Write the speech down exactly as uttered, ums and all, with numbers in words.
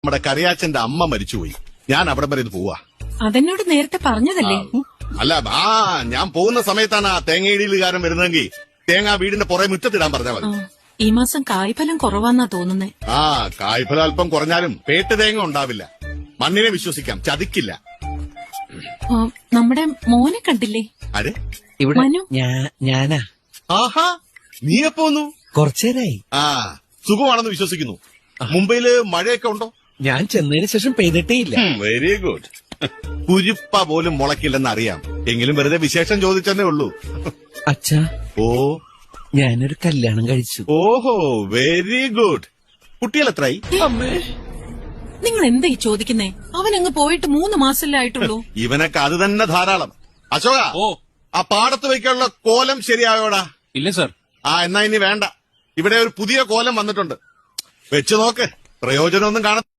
നമ്മുടെ കറിയാച്ചന്റെ അമ്മ മരിച്ചുപോയി. ഞാൻ അവിടെ വരെ ഇത് പോവാ. അതെന്നോട് നേരത്തെ പറഞ്ഞതല്ലേ? അല്ല, ആ ഞാൻ പോകുന്ന സമയത്താണ് ആ തേങ്ങയിടിയിലുകാരൻ വരുന്നതെങ്കിൽ തേങ്ങ വീടിന്റെ പുറകെ മുറ്റത്തിടാൻ പറഞ്ഞാൽ മതി. ഈ മാസം കായ്ഫലം കുറവാന്നാ തോന്നുന്നേ. ആ കായ്ഫലം അല്പം കുറഞ്ഞാലും പേട്ട് തേങ്ങ ഉണ്ടാവില്ല. മണ്ണിനെ വിശ്വസിക്കാം, ചതിക്കില്ല. നമ്മുടെ മോനെ കണ്ടില്ലേ? അരെ ഇവിടെ മനു. ഞാനാ. ആഹാ, നീ എപ്പോന്നു? കുറച്ചേരായി. ആ സുഖമാണെന്ന് വിശ്വസിക്കുന്നു. മുംബൈയില് മഴയൊക്കെ ഉണ്ടോ? ഞാൻ ചെന്നതിന് ശേഷം പെയ്തിട്ടേ ഇല്ല. Very good. കുരിപ്പ പോലും മുളക്കില്ലെന്ന് അറിയാം, എങ്കിലും വെറുതെ വിശേഷം ചോദിച്ചെന്നേ ഉള്ളൂ. അച്ഛാ, ഓ ഞാനൊരു കല്യാണം കഴിച്ചു. ഓഹോ, വെരി ഗുഡ്. കുട്ടികൾ എത്രയായി? നിങ്ങൾ എന്താ ഈ ചോദിക്കുന്നേ? അവനങ്ങ് പോയിട്ട് മൂന്ന് മാസമല്ലേ ആയിട്ടുള്ളൂ. ഇവനൊക്കെ അത് തന്നെ ധാരാളം. അശോക, ഓ ആ പാടത്ത് വയ്ക്കാനുള്ള കോലം ശരിയായോടാ? ഇല്ല സർ. ആ എന്നാ ഇനി വേണ്ട. ഇവിടെ ഒരു പുതിയ കോലം വന്നിട്ടുണ്ട്, വെച്ച് നോക്ക്. പ്രയോജനമൊന്നും കാണ